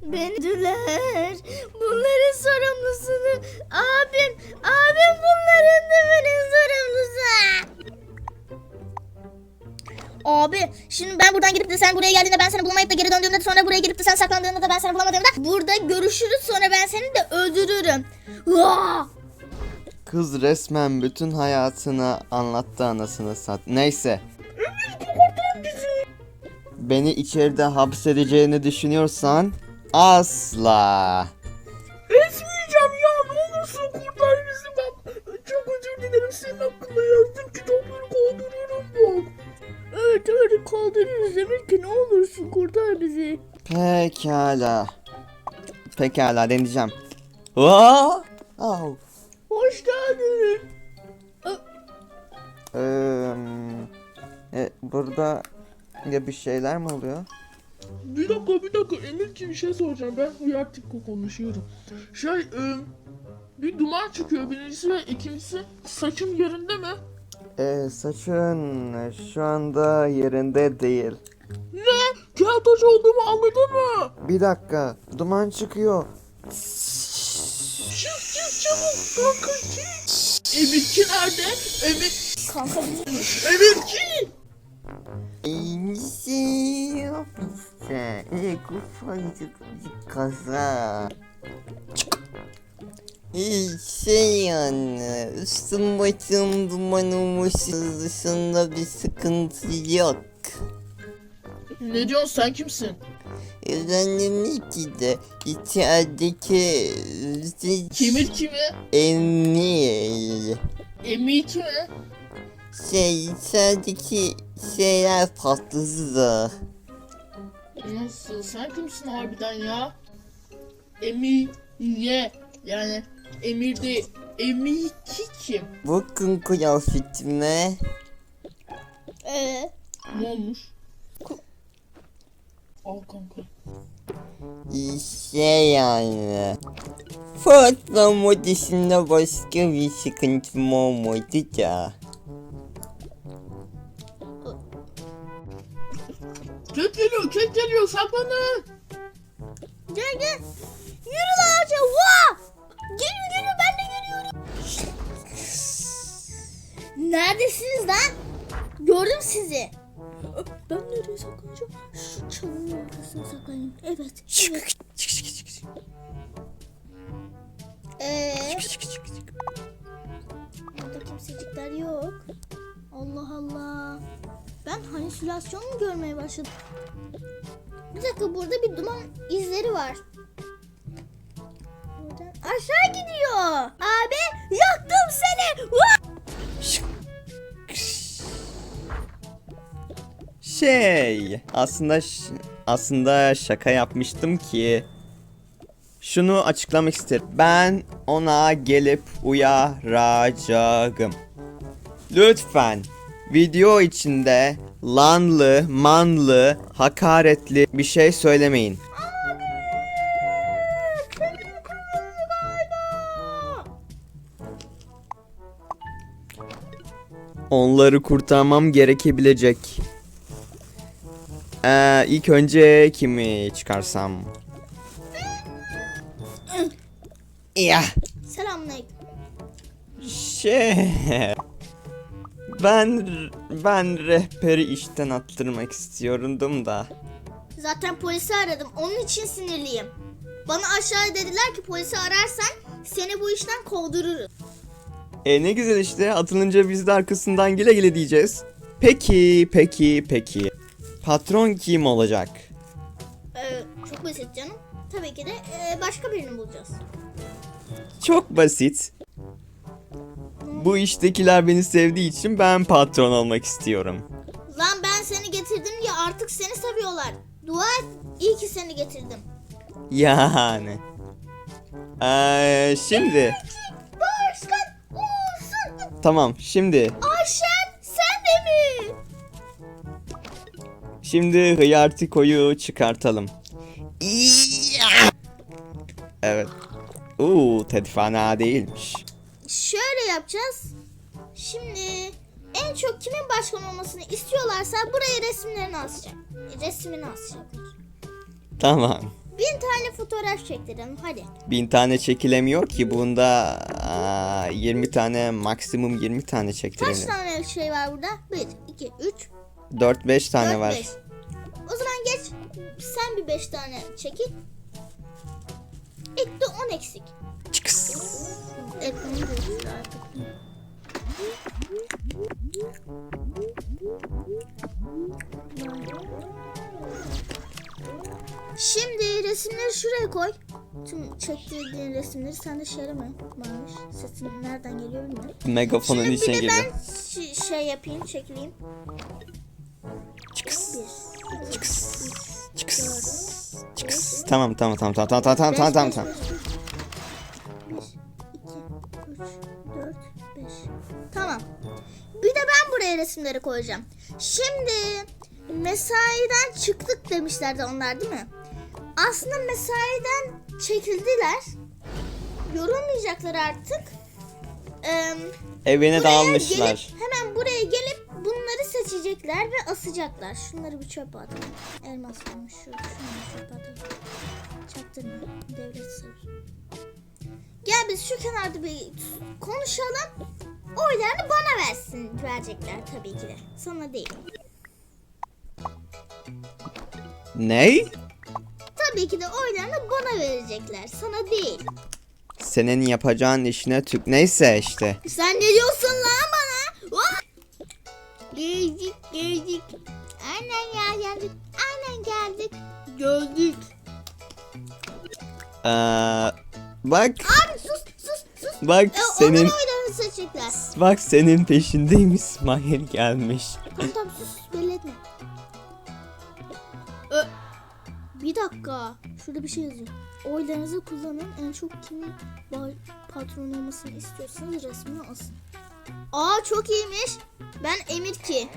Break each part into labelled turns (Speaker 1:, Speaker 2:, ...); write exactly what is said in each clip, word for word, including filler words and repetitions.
Speaker 1: Beni düler. Bunların sorumlusunu abim. Abim bunların tümünün sorumlusu. Abi şimdi ben buradan gidip de sen buraya geldiğinde ben seni bulamayıp da geri döndüğümde sonra buraya gelip de sen saklandığında da ben seni bulamadığımda burada görüşürüz, sonra ben seni de öldürürüm. Vaa!
Speaker 2: Kız resmen bütün hayatını anlattı anasını sat. Neyse. Beni içeride hapsedeceğini düşünüyorsan asla.
Speaker 3: Etmeyeceğim ya, ne olursun kurtar bizi bak. Çok özür dilerim, senin hakkında yazdım, kitapları kaldırıyorum bak. Evet evet kaldırırız, demek ki ne olursun kurtar bizi.
Speaker 2: Pekala. Pekala deneyeceğim. Aa! Au.
Speaker 3: Hoş geldin.
Speaker 2: Ee, e, burada ya bir şeyler mi oluyor?
Speaker 3: Bir dakika bir dakika Emirciğim, bir şey soracağım, ben uyartık konuşuyorum. Şey e, bir duman çıkıyor birincisi ve ikincisi saçım yerinde mi?
Speaker 2: Ee, saçın şu anda yerinde değil.
Speaker 3: Ne? Keltoş olduğumu anladın mı?
Speaker 2: Bir dakika, duman çıkıyor.
Speaker 3: Çık çık çabuk kanka çık. Emirci nerede? Emir...
Speaker 1: Kanka
Speaker 3: Emirci!
Speaker 2: İyi ofiste, iyi kufacık bir kaza. İyi şey yani, üstüm başım duman olmuş, dışında bir sıkıntı yok.
Speaker 3: Ne diyorsun, sen kimsin?
Speaker 2: Efendim ki de içerideki
Speaker 3: Kimir kimi?
Speaker 2: Emir.
Speaker 3: Emir kimi?
Speaker 2: Şey içerideki şeyler patladı.
Speaker 3: Nasıl? Sen kimsin harbiden ya? Emir ye. Yani Emir değil. Emir kim?
Speaker 2: Bakın kıyafetime.
Speaker 1: Ee,
Speaker 3: Ne olmuş? Al kanka.
Speaker 2: Şey yani. Patlama dışında başka bir sıkıntım olmadı da.
Speaker 3: Kek geliyor, kek geliyor, saklanın.
Speaker 1: gel gel. Yürü lan ağaca. Vaa! Geliyor geliyor, ben de geliyorum. Neredesiniz lan? Gördüm sizi.
Speaker 3: Ben nereye saklanacağım?
Speaker 1: Şu çalının arkasına saklanayım. Evet. Evet. Ee, burada kimsecikler yok. Allah Allah. Ben halüsinasyon mu görmeye başladım? Bir dakika, burada bir duman izleri var. Buradan aşağı gidiyor. Abi yaktım seni. Vah!
Speaker 2: Şey, aslında ş- aslında şaka yapmıştım ki. Şunu açıklamak isterim. Ben ona gelip uyaracağım. Lütfen video içinde lanlı, manlı, hakaretli bir şey söylemeyin. Onları kurtarmam gerekebilecek. Ee, ilk önce kimi çıkarsam? Ya
Speaker 1: Selamünaleyküm.
Speaker 2: şey, ben ben rehberi işten attırmak istiyordum da.
Speaker 1: Zaten polisi aradım. Onun için sinirliyim. Bana aşağı dediler ki polisi ararsan seni bu işten kovdururuz.
Speaker 2: E ne güzel işte, atılınca biz de arkasından gele gele diyeceğiz. Peki peki peki. Patron kim olacak?
Speaker 1: Ee, çok basit canım. Tabii ki de e, başka birini bulacağız.
Speaker 2: Çok basit. Bu iştekiler beni sevdiği için ben patron olmak istiyorum.
Speaker 1: Lan ben seni getirdim diye artık seni seviyorlar. Dua et, iyi ki seni getirdim.
Speaker 2: Yani. Ee, şimdi.
Speaker 1: Başkan olsun.
Speaker 2: Tamam şimdi.
Speaker 1: Ayşen sen de mi?
Speaker 2: Şimdi Hıyartiko'yu çıkartalım. Evet. Uuu Ted fena değilmiş.
Speaker 1: Şöyle yapacağız. Şimdi en çok kimin başkan olmasını istiyorlarsa buraya resimlerini asacak. Resmini asacaklar.
Speaker 2: Tamam.
Speaker 1: Bin tane fotoğraf çektirelim hadi.
Speaker 2: Bin tane çekilemiyor ki bunda aa, yirmi tane maksimum yirmi tane
Speaker 1: Kaç
Speaker 2: çektirelim.
Speaker 1: tane şey var burada? bir, iki, üç,
Speaker 2: dört beş tane
Speaker 1: dört,
Speaker 2: var.
Speaker 1: beş. O zaman geç. Sen bir beş tane çekil. Etti on eksik.
Speaker 2: Çıkıs.
Speaker 1: Ekmeği görüşürüz artık. Şimdi resimleri şuraya koy. Tüm çektirdiğin resimleri sen de şöyle mi? Varmış. Sesin nereden geliyor bilmiyorum.
Speaker 2: Megafonun
Speaker 1: Şimdi
Speaker 2: içine
Speaker 1: bir de
Speaker 2: girdi.
Speaker 1: ben ş- şey yapayım, çekileyim.
Speaker 2: Çıkıs.
Speaker 1: Bir,
Speaker 2: Çıkıs. Çıkıs. Çıkıs. Tamam tamam tamam tamam tamam tamam tamam tamam tamam.
Speaker 1: bir, iki, üç, dört, beş. Tamam. Bir de ben buraya resimleri koyacağım. Şimdi mesaiden çıktık demişlerdi onlar değil mi? Aslında mesaiden çekildiler. Yorulmayacaklar artık. Ee,
Speaker 2: Evine
Speaker 1: buraya
Speaker 2: dağılmışlar.
Speaker 1: gelip, hemen buraya gelip bunları seçecekler ve asacaklar. Şunları bir çöpe atalım. Elmas olmuş şu. Şunları çöpe atalım. Çaktırma. Devlet sır. Gel biz şu kenarda bir konuşalım. Oylarını bana versin. Verecekler tabii ki de. Sana değil.
Speaker 2: Ney?
Speaker 1: Tabii ki de oylarını bana verecekler. Sana değil.
Speaker 2: Senin yapacağın işine tük. Neyse işte.
Speaker 1: Sen ne diyorsun lan bana? Vah! Geldik geldik. Aynen ya geldik. Aynen geldik. Geldik.
Speaker 2: Ee, bak
Speaker 1: Abi sus sus sus.
Speaker 2: bak
Speaker 1: E,
Speaker 2: senin
Speaker 1: Onların oylarını seçecekler.
Speaker 2: bak senin peşindeyim, İsmail gelmiş.
Speaker 1: Tamam tamam sus belli etme. Ö, bir dakika. Şurada bir şey yazıyor. Oylarınızı kullanın. En çok kimin ba- patron olmasını istiyorsanız resmini asın. Aa çok iyiymiş. Ben Emir ki.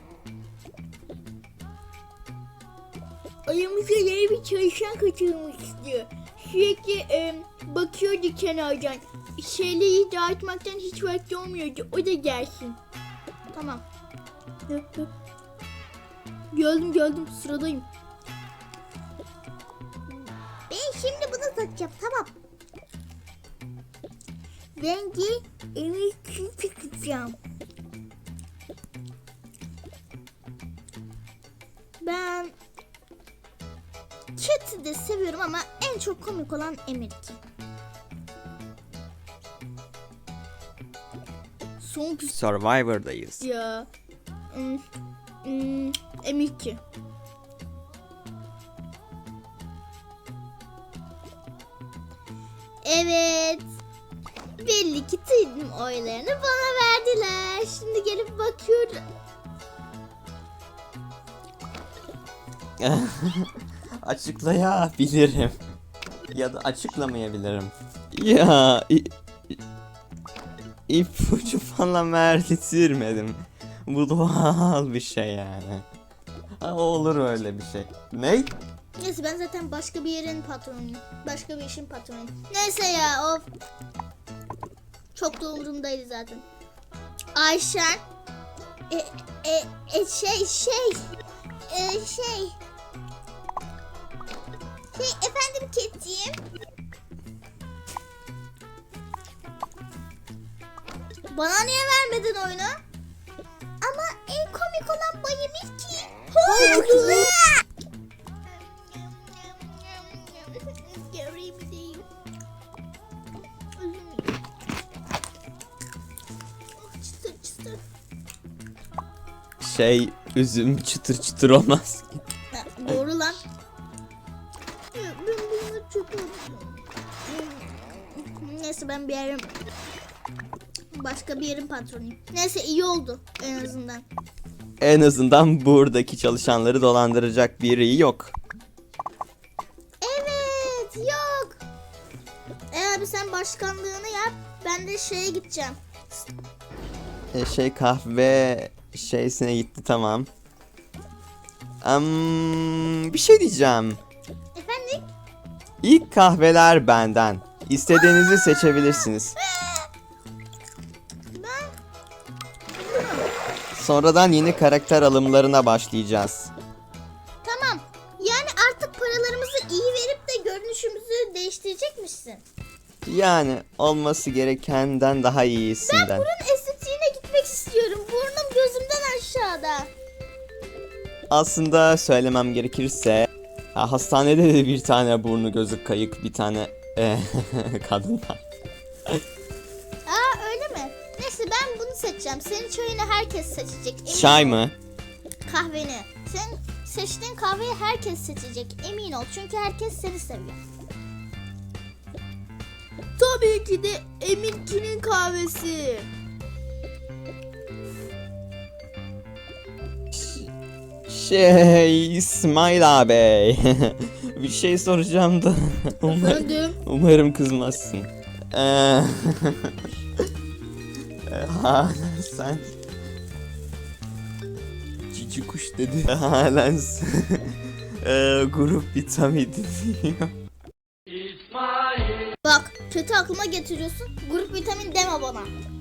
Speaker 1: Ayımıza yeni bir çalışan katılmak istiyor. Sürekli e, bakıyordu kenardan. Şeyleri dağıtmaktan hiç vakti olmuyordu. O da gelsin. Tamam. Geldim geldim sıradayım. Ben şimdi bunu takacağım tamam. Rengi Emir için takacağım. Ben Cat'i de seviyorum ama en çok komik olan Emir'ki. Son pis
Speaker 2: Survivor'dayız.
Speaker 1: ya. Hmm, hmm, Emir'ki. Evet. Belli ki tüm oylarını bana verdiler. Şimdi gelip bakıyorum.
Speaker 2: Açıklayabilirim. Ya da açıklamayabilirim. Ya i- i- ipucu falan verdirmedim. Bu doğal bir şey yani. Ha, olur öyle bir şey. Ne?
Speaker 1: Neyse ben zaten başka bir yerin patronuyum. Başka bir işin patronuyum. Neyse ya of. Çok da umurumdaydı zaten. Ayşen. E, e, e, şey şey. E, şey. Şey efendim Ketciğim. Bana niye vermedin oyunu? Ama en komik olan Bay Emir ki. Haklı. Göreyim diyeyim. Çıtır çıtır.
Speaker 2: Şey, üzüm çıtır çıtır olmaz.
Speaker 1: Ha, doğru lan. Ya, ben bunu çok unuttum. Neyse ben bir yerim. Başka bir yerin patronuyum. Neyse iyi oldu en azından.
Speaker 2: En azından buradaki çalışanları dolandıracak biri yok.
Speaker 1: Evet yok. E abi sen başkanlığını yap. Ben de şeye gideceğim.
Speaker 2: E, şey kahve şeysine gitti, tamam. Am, bir şey diyeceğim.
Speaker 1: Efendim?
Speaker 2: İlk kahveler benden. İstediğinizi seçebilirsiniz.
Speaker 1: Ben
Speaker 2: Sonradan yeni karakter alımlarına başlayacağız.
Speaker 1: tamam. Yani artık paralarımızı iyi verip de
Speaker 2: Yani olması gerekenden daha iyisinden.
Speaker 1: Burun estetiğine gitmek istiyorum. Burnum gözümden aşağıda.
Speaker 2: Aslında söylemem gerekirse ha, hastanede de bir tane burnu gözü kayık bir tane e, kadın var.
Speaker 1: Aa öyle mi? Neyse ben bunu seçeceğim. Senin çayını herkes seçecek. Emin
Speaker 2: Çay
Speaker 1: ol.
Speaker 2: mı?
Speaker 1: Kahveni. Senin seçtiğin kahveyi herkes seçecek. Emin ol. Çünkü herkes seni seviyor.
Speaker 3: Tabii ki de Emin'kinin kahvesi.
Speaker 2: Şey İsmail abi. Bir şey soracağım da. Umar-
Speaker 3: Efendim?
Speaker 2: umarım kızmazsın. Ee, Halen sen cici kuş dedi. Halen sen ee, grup vitamini diyor.
Speaker 1: Bak kötü aklıma getiriyorsun. Grup vitamin deme bana.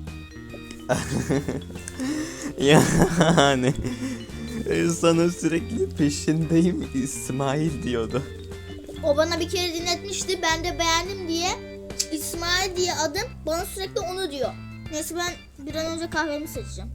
Speaker 2: Yani e, sana sürekli peşindeyim İsmail diyordu.
Speaker 1: O bana bir kere dinletmişti. Ben de beğendim diye. İsmail diye adım. Bana sürekli onu diyor. Neyse ben bir an önce kahvemi seçeceğim.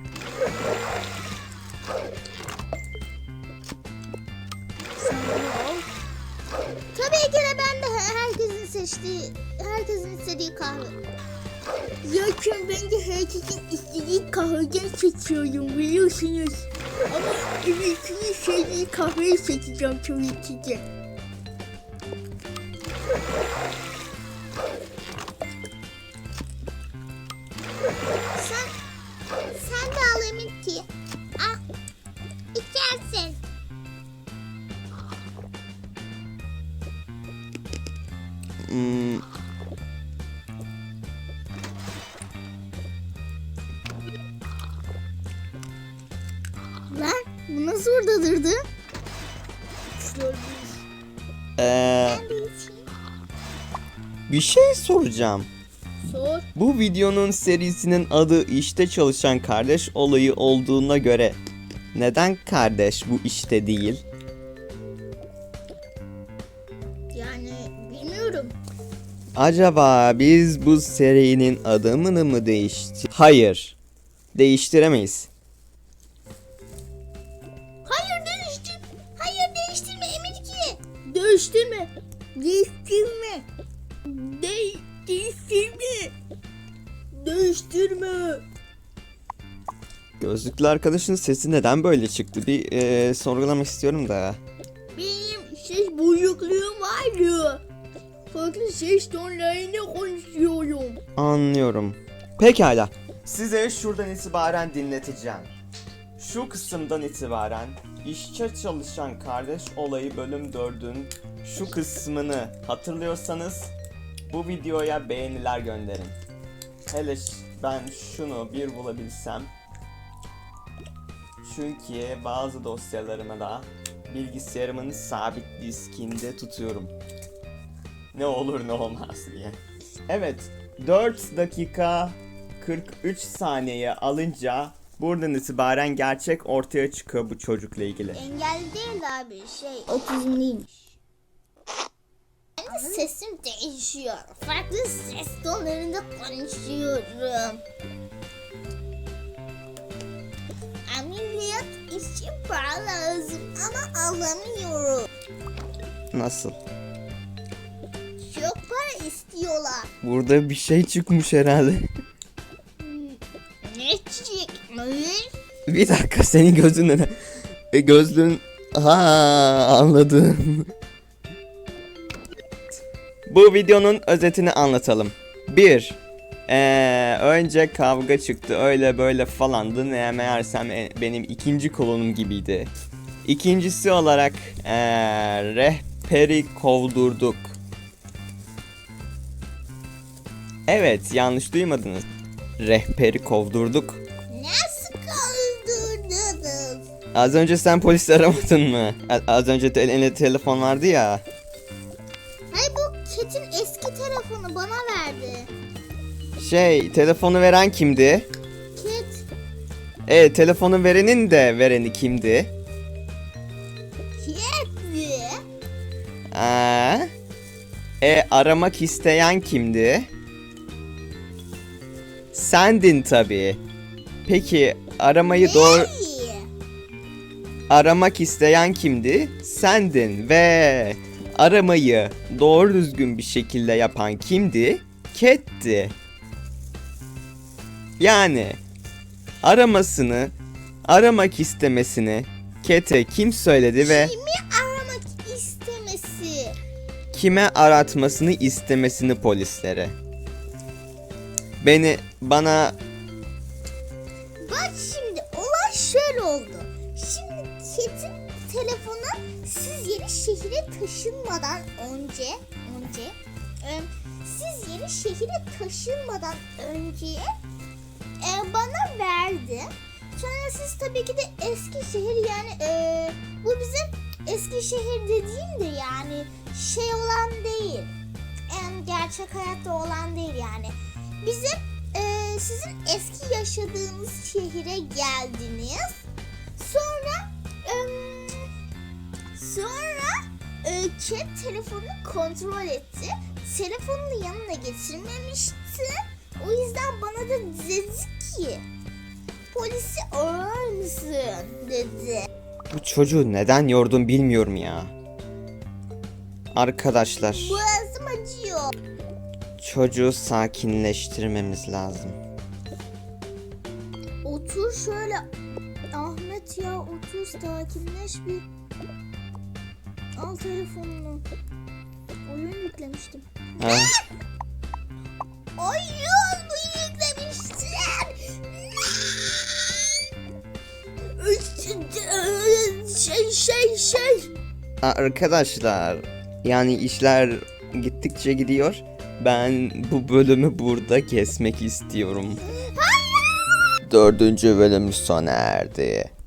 Speaker 1: Sen bunu al. Tabii ki de ben de herkesin seçtiği, herkesin istediği kahve.
Speaker 3: Zaten ben de herkesin istediği kahveden seçiyorum biliyorsunuz. Ama Emin'kinin sevdiği kahveyi seçeceğim tabii ki de.
Speaker 1: Sen, sen de al Emin ki. Al. İçersin.
Speaker 2: Hmm,
Speaker 1: Lan bu nasıl orada durdu?
Speaker 2: ee, bir şey soracağım.
Speaker 3: Sor.
Speaker 2: Bu videonun serisinin adı işte çalışan kardeş olayı olduğuna göre neden kardeş bu işte değil?
Speaker 1: Yani bilmiyorum.
Speaker 2: Acaba biz bu serinin adını mı değiştir? Hayır. Değiştiremeyiz.
Speaker 1: Hayır değiştir. Hayır değiştirme Emin ki.
Speaker 3: Değiştirme. Değiştirme. De değiştirme. Değiştirme.
Speaker 2: Gözlüklü arkadaşın sesi neden böyle çıktı? Bir e, sorgulamak istiyorum da.
Speaker 3: Benim ses bozukluğum vardı. Farklı ses tonlarıyla konuşuyorum.
Speaker 2: Anlıyorum. Pekala. Size şuradan itibaren dinleteceğim. Şu kısımdan itibaren işte çalışan kardeş olayı bölüm dördün şu kısmını hatırlıyorsanız bu videoya beğeniler gönderin. Hele ş- ben şunu bir bulabilsem. Çünkü bazı dosyalarımı da bilgisayarımın sabit diskinde tutuyorum. Ne olur ne olmaz diye. Evet, dört dakika kırk üç saniye alınca buradan itibaren gerçek ortaya çıkıyor bu çocukla ilgili.
Speaker 1: Engel değil abi şey. Otizmliymiş. Benim sesim değişiyor. Farklı ses tonlarında konuşuyorum. Ameliyat için para lazım ama alamıyorum.
Speaker 2: Nasıl?
Speaker 1: Çok para istiyorlar.
Speaker 2: Burada bir şey çıkmış herhalde.
Speaker 1: Ne çıkmış?
Speaker 2: Bir dakika senin gözün ne? E, gözlüğün... Ha anladım. Bu videonun özetini anlatalım. bir. Ee, önce kavga çıktı öyle böyle falandı. Ne meğersem e, benim ikinci kolonum gibiydi. İkincisi olarak ee, rehberi kovdurduk. Evet yanlış duymadınız. Rehberi kovdurduk.
Speaker 1: Nasıl kaldırdınız?
Speaker 2: Az önce sen polisi aramadın mı? A- Az önce te- elinde telefon vardı ya.
Speaker 1: Hayır bu Ket'in eski telefonu bana verdi.
Speaker 2: Şey telefonu veren kimdi?
Speaker 1: Ket.
Speaker 2: E telefonu verenin de vereni kimdi?
Speaker 1: Ket'ti.
Speaker 2: Aa, E aramak isteyen kimdi? Sendin tabii. Peki aramayı doğru...
Speaker 1: İyi.
Speaker 2: Aramak isteyen kimdi? Sendin ve aramayı doğru düzgün bir şekilde yapan kimdi? Cat'ti. Yani aramasını, aramak istemesini Cat'e kim söyledi ve
Speaker 1: Kimi aramak istemesi?
Speaker 2: kime aratmasını istemesini polislere? Beni, bana
Speaker 1: Bak şimdi olay şöyle oldu. Şimdi Cat'in telefonu siz yeni şehire taşınmadan önce önce e, siz yeni şehire taşınmadan önce e, bana verdi. Sonra siz tabii ki de Eskişehir yani e, bu bizim Eskişehir dediğim de yani şey olan değil. En gerçek hayatta olan değil yani. Bizim e, sizin eski yaşadığınız şehire geldiniz. Sonra e, sonra e, Cat telefonunu kontrol etti. Telefonunu yanına getirmemişti. O yüzden bana da dedi ki polisi arar mısın dedi.
Speaker 2: bu çocuğu neden yordum bilmiyorum ya. Arkadaşlar,
Speaker 1: Boğazım acıyor.
Speaker 2: çocuğu sakinleştirmemiz lazım.
Speaker 1: Otur şöyle. Ahmet ya otur sakinleş bir. Al telefonunu. Oyun yüklemiştim.
Speaker 2: Ha?
Speaker 1: Oyun mu yüklemiştin? Şey şey şey.
Speaker 2: Arkadaşlar, yani işler gittikçe gidiyor. Ben bu bölümü burada kesmek istiyorum. Dördüncü bölüm sona erdi.